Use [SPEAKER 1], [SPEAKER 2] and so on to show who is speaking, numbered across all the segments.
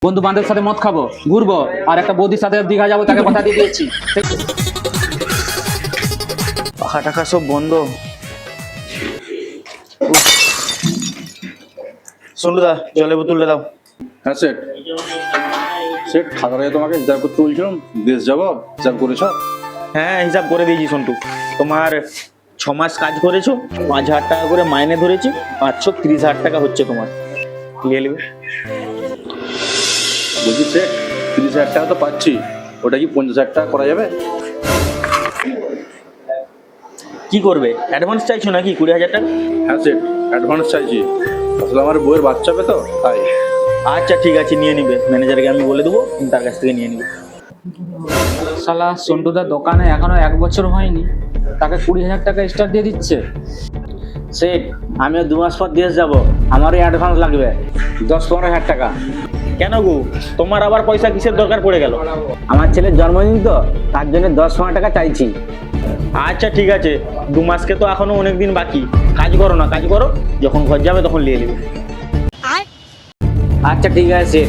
[SPEAKER 1] বন্ধু বান্ধবের সাথে মদ খাবো, ঘুরবো, আর একটা বৌদির সাথে দীঘা যাবো, তাকে কথা দিয়ে দিয়েছি।
[SPEAKER 2] পাখা টাকা সব বন্ধ। সন্টুদা জলের বোতলটা দাও।
[SPEAKER 3] হ্যাঁ সেট সেট খাতা থেকে তোমাকে হিসাব করতে বলছিলাম, দেশ যাবো, হিসাব করেছ?
[SPEAKER 2] হ্যাঁ হিসাব করে দিয়েছি সন্টু। তোমার 6 মাস কাজ করেছো, 5,000 টাকা করে মাইনে ধরেছি, 530,000 টাকা হচ্ছে তোমার। নিয়ে নেবে।
[SPEAKER 3] বলছি সেট 30,000 টাকা তো পাচ্ছি, ওটা কি 50,000 টাকা করা যাবে?
[SPEAKER 2] কি করবে, অ্যাডভান্স চাইছো নাকি 20,000 টাকা?
[SPEAKER 3] হ্যাঁ সেট অ্যাডভান্স চাইছি, আসলে আমার বইয়ের বাচ্চা হবে তো তাই।
[SPEAKER 2] আচ্ছা ঠিক আছে, নিয়ে নিবে, ম্যানেজারকে আমি বলে দেবো, তুমি তার কাছ থেকে নিয়ে নিবে।
[SPEAKER 1] শালা সন্টুদার দোকানে এখনো 1 বছর হয়নি, তাকে 20,000 টাকা স্টার দিয়ে দিচ্ছে।
[SPEAKER 4] সেট আমিও 2 মাস পর দেশ যাব, আমারও অ্যাডভান্স লাগবে 10-15,000 টাকা।
[SPEAKER 2] কেন গো, তোমার আবার পয়সা কিসের দরকার পড়ে গেল?
[SPEAKER 4] আমার ছেলের জন্মদিন তো, তার জন্য 10-15 টাকা চাইছি।
[SPEAKER 2] আচ্ছা ঠিক আছে, 2 মাসকে তো এখনো অনেক দিন বাকি, কাজ করো না, কাজ করো, যখন ঘর যাবে তখন নিয়ে নেবে।
[SPEAKER 4] আচ্ছা ঠিক আছে সেট।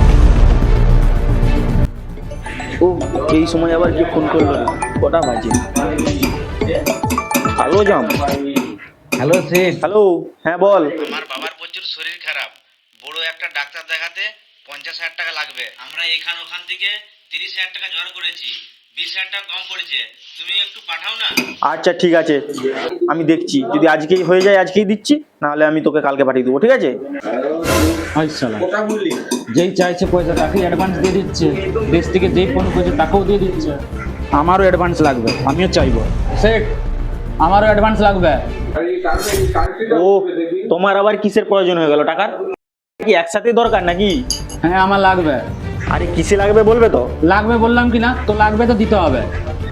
[SPEAKER 2] ও এই সময় আবার কি ফোন করলো, কটা বাজে? হ্যালো জাম।
[SPEAKER 1] হ্যালো সেট।
[SPEAKER 2] হ্যালো, হ্যাঁ বল।
[SPEAKER 5] আমার বাবার প্রচুর শরীর খারাপ, বড় একটা ডাক্তার দেখাতে 50,000 টাকা লাগবে। আমরা ওখান থেকে 30,000 টাকা জোগাড় করেছি, 20,000 টাকা কম পড়েছে, তুমি একটু পাঠাও না।
[SPEAKER 2] আচ্ছা ঠিক আছে, আমি দেখছি, যদি আজকেই হয়ে যায় আজকেই দিচ্ছি, নাহলে আমি তোকে কালকে পাঠিয়ে দেবো, ঠিক আছে?
[SPEAKER 1] হাই শালা, যেই চাইছে পয়সা তাকেই অ্যাডভান্স দিয়ে দিচ্ছে, দেশ থেকে যেই ফোন করছে তাকেও দিয়ে দিচ্ছে। আমারও অ্যাডভান্স লাগবে, আমিও চাইবো। সেট আমারও অ্যাডভান্স লাগবে।
[SPEAKER 2] ও তোমার আবার কিসের প্রয়োজন হয়ে গেল টাকার? কি একসাথে দরকার নাকি?
[SPEAKER 1] হ্যাঁ আমার লাগবে।
[SPEAKER 2] আরে কিসে লাগবে বলবে তো?
[SPEAKER 1] লাগবে বললাম কি না, তো লাগবে তো দিতে হবে।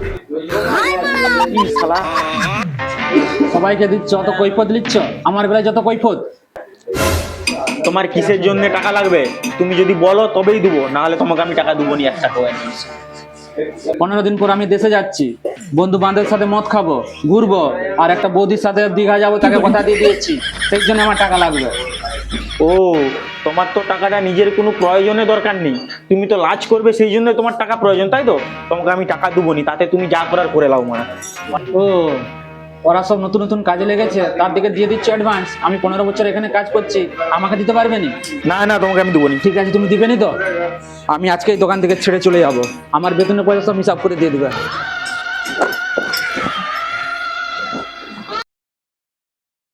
[SPEAKER 2] কি শালা,
[SPEAKER 1] সবাইকে দিচ্ছ, অত কৈফত দিচ্ছ, আমার বেলায় যত কৈফত।
[SPEAKER 2] তোমার কিসের জন্য টাকা লাগবে তুমি যদি বলো তবেই দেবো, নাহলে তোমাকে আমি টাকা দেবো নি 1 টাকা।
[SPEAKER 1] 15 দিন পর আমি দেশে যাচ্ছি, বন্ধু বান্ধবের সাথে মদ খাবো, ঘুরবো, আর একটা বৌদির সাথে দীঘা যাবো, তাকে কথা দিয়ে দিয়েছি, সেই জন্য আমার টাকা লাগবে।
[SPEAKER 2] ও তোমার তো টাকাটা নিজের কোনো প্রয়োজনে দরকার নেই, তুমি তো লাজ করবে, সেই জন্য তোমার টাকা প্রয়োজন, তাই তো? তোমাকে আমি টাকা দেবো নি, তাতে তুমি যা করার করে লাও মানে।
[SPEAKER 1] ও ওরা সব নতুন নতুন কাজে লেগেছে, তার দিকে দিয়ে দিচ্ছ অ্যাডভান্স। আমি 15 বছর এখানে কাজ করছি, আমাকে দিতে পারবে নি?
[SPEAKER 2] না না, তোমাকে আমি দেবো নি।
[SPEAKER 1] ঠিক আছে, তুমি দিবে নি তো? আমি আজকেই দোকান থেকে ছেড়ে চলে যাবো, আমার বেতনের পয়সা সব হিসাব করে দিয়ে দিবে।